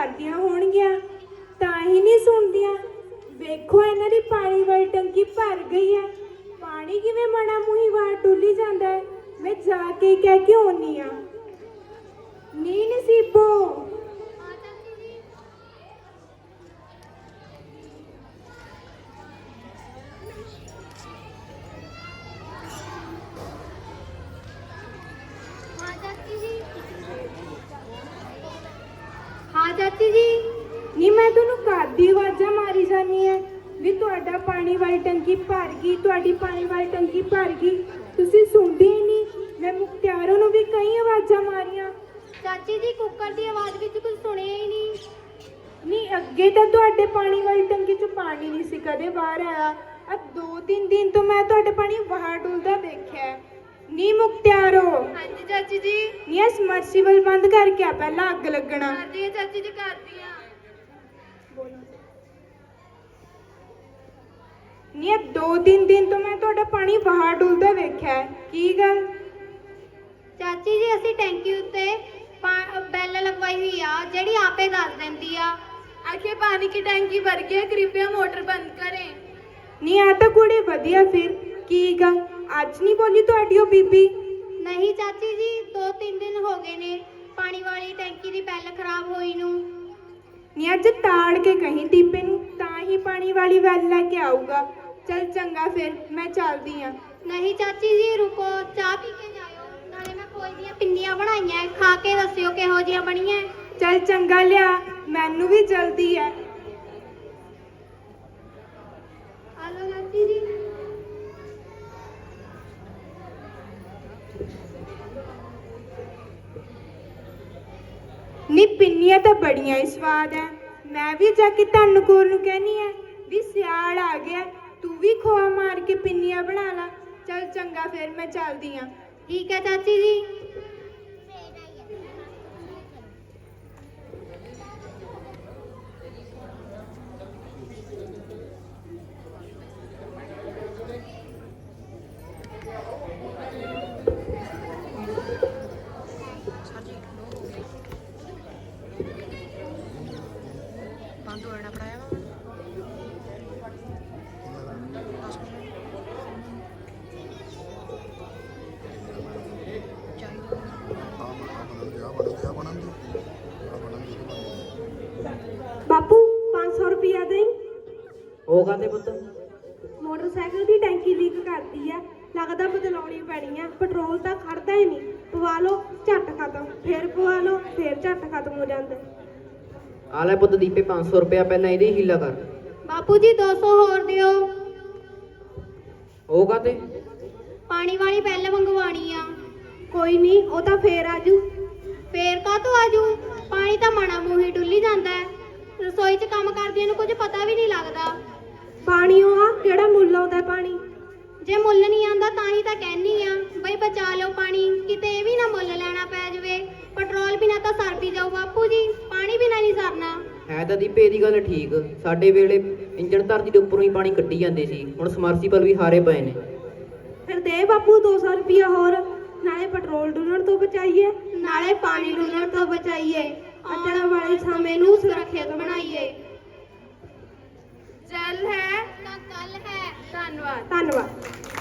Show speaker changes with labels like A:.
A: ਕਰਦੀਆਂ ਹੋਣਗੀਆਂ ਤਾਂ ਹੀ ਨਹੀਂ ਸੁਣਦੀਆਂ। ਵੇਖੋ ਇਹਨਾਂ ਦੀ ਪਾਣੀ ਵਾਲੀ ਟੰਕੀ ਭਰ ਗਈ ਹੈ। ਪਾਣੀ ਕਿਵੇਂ ਮਣਾ ਮੂੰਹੀ ਬਾਹਰ ਡੁੱਲੀ ਜਾਂਦਾ ਹੈ। ਮੈਂ ਜਾ ਕੇ ਕਹਿ ਕੇ ਆਉਣੀ ਆ। ਨੀ ਨਸੀਬੋ,
B: हाँ चाची जी।
A: ਨੀ ਮੈਂ ਤੁਹਾਨੂੰ ਘਰ ਦੀ ਆਵਾਜ਼ਾਂ ਮਾਰੀ ਜਾਨੀ ਹੈ ਵੀ ਤੁਹਾਡਾ ਪਾਣੀ ਵਾਲੀ ਟੰਕੀ ਭਰ ਗਈ, ਤੁਹਾਡੀ ਪਾਣੀ ਵਾਲੀ ਟੰਕੀ ਭਰ ਗਈ। ਤੁਸੀਂ ਸੁਣਦੇ ਹੀ ਨਹੀਂ। ਮੈਂ ਮੁਖਤਿਆਰੋਂ ਨੂੰ ਵੀ ਕਈ ਆਵਾਜ਼ਾਂ ਮਾਰੀਆਂ।
B: चाची जी कुकर की आवाज भी कुछ सुनिया ही नहीं।
A: ਨੀ ਅੱਗੇ ਤਾਂ ਤੁਹਾਡੇ ਪਾਣੀ ਵਾਲੀ ਟੰਕੀ 'ਚ ਪਾਣੀ ਨਹੀਂ ਸੀ ਕਦੇ ਬਾਹਰ ਆਇਆ। ਆ 2-3 ਦਿਨ ਤੋਂ ਮੈਂ ਤੁਹਾਡੇ ਪਾਣੀ ਬਾਹਰ ਡੁੱਲਦਾ ਦੇਖਿਆ। ਨੀ ਮੁਖਤਿਆਰੋ,
B: हाँ जी चाची जी।
A: ਨੀ ਇਹ ਸਮਰਸੀਬਲ ਬੰਦ ਕਰਕੇ ਆ, ਪਹਿਲਾਂ ਅੱਗ ਲੱਗਣਾ।
B: कर दी चाची जी, कर दिया।
A: ਨੀ ਇਹ 2-3 ਦਿਨ ਤੋਂ ਮੈਂ ਤੁਹਾਡਾ ਪਾਣੀ ਬਾਹਰ ਡੁੱਲਦਾ ਵੇਖਿਆ। ਕੀ ਗੱਲ?
B: चाची जी ਅਸੀਂ ਟੈਂਕੀ ਉੱਤੇ ਬੈਲ ਲਗਵਾਈ ਹੋਈ ਆ ਜਿਹੜੀ ਆਪੇ ਦੱਸ ਦਿੰਦੀ ਆ। आखिर पानी की टैंकी भर गई है, कृपया मोटर बंद करें।
A: ਨੀ ਆ ਤਾਂ ਕੁੜੀ ਵਧੀਆ। ਫਿਰ ਕੀ ਗੱਲ ਅੱਜ ਨਹੀਂ ਬੋਲੀ ਤੁਹਾਡੀ ਉਹ ਬੀਬੀ?
B: नहीं चाची जी, 2-3 दिन हो गए ने पानी वाली टैंकी की बैल खराब होई नू।
A: ਨੀ ਅੱਜ ਤਾੜ ਕੇ ਕਹੀਂ ਦੀਪੇ ਨੂੰ, ਤਾਂ ਹੀ ਪਾਣੀ ਵਾਲੀ ਵੈਲ ਲੈ ਕੇ ਆਊਗਾ। ਚੱਲ ਚੰਗਾ ਫਿਰ ਮੈਂ ਚੱਲਦੀ ਆ।
B: नहीं चाची जी रुको, चाह पी के जाओ। नाले मैं कोई दियां पिन्नियां बनाईयां, खा के दस्सियो किहो जिहियां बणीਆਂ।
A: ਚੱਲ ਚੰਗਾ ਲਿਆ, ਮੈਨੂੰ ਵੀ ਜਲਦੀ ਹੈ।
B: हेलो चाची जी।
A: ਨੀ ਪਿੰਨੀਆਂ ਤਾਂ ਬੜੀਆਂ ਹੀ ਸਵਾਦ ਹੈ। ਮੈਂ ਵੀ ਜਾ ਕੇ ਧੰਨਕੋਰ ਨੂੰ ਕਹਿਨੀ ਹੈ ਵੀ ਸਿਆਲ ਆ ਗਿਆ, ਤੂੰ ਵੀ ਖੋਆ ਮਾਰ ਕੇ ਪਿੰਨੀਆਂ ਬਣਾ ਲਾ। ਚੱਲ ਚੰਗਾ ਫਿਰ ਮੈਂ ਚੱਲਦੀ ਆ।
B: ठीक है चाची जी।
A: ਬਾਪੂ 500 ਰੁਪਇਆ ਦੇਈਂ।
C: ਉਹ ਕਾਹਦੇ ਪੁੱਤ?
A: ਮੋਟਰਸਾਈਕਲ ਦੀ ਟੈਂਕੀ ਲੀਕ ਕਰਦੀ ਹੈ, ਲੱਗਦਾ ਬਦਲਾਉਣੀ ਪੈਣੀ ਹੈ। ਪੈਟਰੋਲ ਤਾਂ ਖੜਦਾ ਹੀ ਨਹੀਂ। ਪਵਾ ਲਓ ਝੱਟ ਖਤਮ, ਫਿਰ ਪਵਾ ਲਓ ਫਿਰ ਝੱਟ ਖਤਮ ਹੋ ਜਾਂਦਾ।
C: ਆ ਲੈ ਪੁੱਤ ਦੀਪੇ 500 ਰੁਪਇਆ, ਪਹਿਲਾਂ ਇਹਦੀ ਹੀਲਾ ਕਰ।
B: बापू जी 200 होर दियो।
C: ਉਹ ਕਾਹਤੇ?
B: पानी वाली बैल मंगवानी आ।
A: ਕੋਈ ਨਹੀਂ, ਉਹ ਤਾਂ ਫੇਰ ਆਜੂ।
B: ਫੇਰ ਕਾਹਤੋਂ ਆਜੂ? ਪਾਣੀ ਤਾਂ ਮਣਾ ਮੂੰਹੀ ਡੁੱਲੀ ਜਾਂਦਾ ਹੈ। ਰਸੋਈ 'ਚ ਕੰਮ ਕਰਦੀਆਂ ਨੂੰ ਕੁਝ ਪਤਾ ਵੀ ਨਹੀਂ ਲੱਗਦਾ।
A: ਪਾਣੀ ਉਹ ਆ ਕਿਹੜਾ ਮੁੱਲ ਆਉਂਦਾ ਪਾਣੀ।
B: ਜੇ ਮੁੱਲ ਨਹੀਂ ਆਂਦਾ ਤਾਂ ਹੀ ਤਾਂ ਕਹਿਨੀ ਆ ਬਈ ਬਚਾ ਲਓ ਪਾਣੀ, ਕਿਤੇ ਇਹ ਵੀ ਨਾ ਮੁੱਲ ਲੈਣਾ ਪੈ ਜਾਵੇ। ਪੈਟਰੋਲ ਬਿਨਾ ਤਾਂ ਸਰ ਵੀ ਜਾਊ ਬਾਪੂ ਜੀ, ਪਾਣੀ ਬਿਨਾ ਨਹੀਂ ਸਰਨਾ।
C: ਹੈ ਤਾਂ ਦੀਪੇ ਇਹਦੀ ਗੱਲ ਠੀਕ। ਸਾਡੇ ਵੇਲੇ ਇੰਜਣ ਧਰਤੀ ਦੇ ਉੱਪਰੋਂ ਹੀ ਪਾਣੀ ਕੱਢੀ ਜਾਂਦੇ ਸੀ, ਹੁਣ ਸਮਰਸੀਬਲ ਵੀ ਹਾਰੇ ਪਏ ਨੇ।
A: ਫਿਰ ਦੇ ਬਾਪੂ 200 ਰੁਪਇਆ ਹੋਰ, ਨਾਲੇ ਪੈਟਰੋਲ ਡੁੱਲਣ ਤੋਂ ਬਚਾਈਏ,
B: ਨਾਲੇ ਪਾਣੀ ਡੁੱਲਣ ਤੋਂ ਬਚਾਈਏ,
A: ਆਉਣ ਵਾਲੇ ਸਮੇਂ ਨੂੰ ਸੁਰੱਖਿਅਤ
B: ਬਣਾਈਏ।
A: ਜਲ ਹੈ
B: ਤਾਂ ਕੱਲ ਹੈ।
A: ਧੰਨਵਾਦ।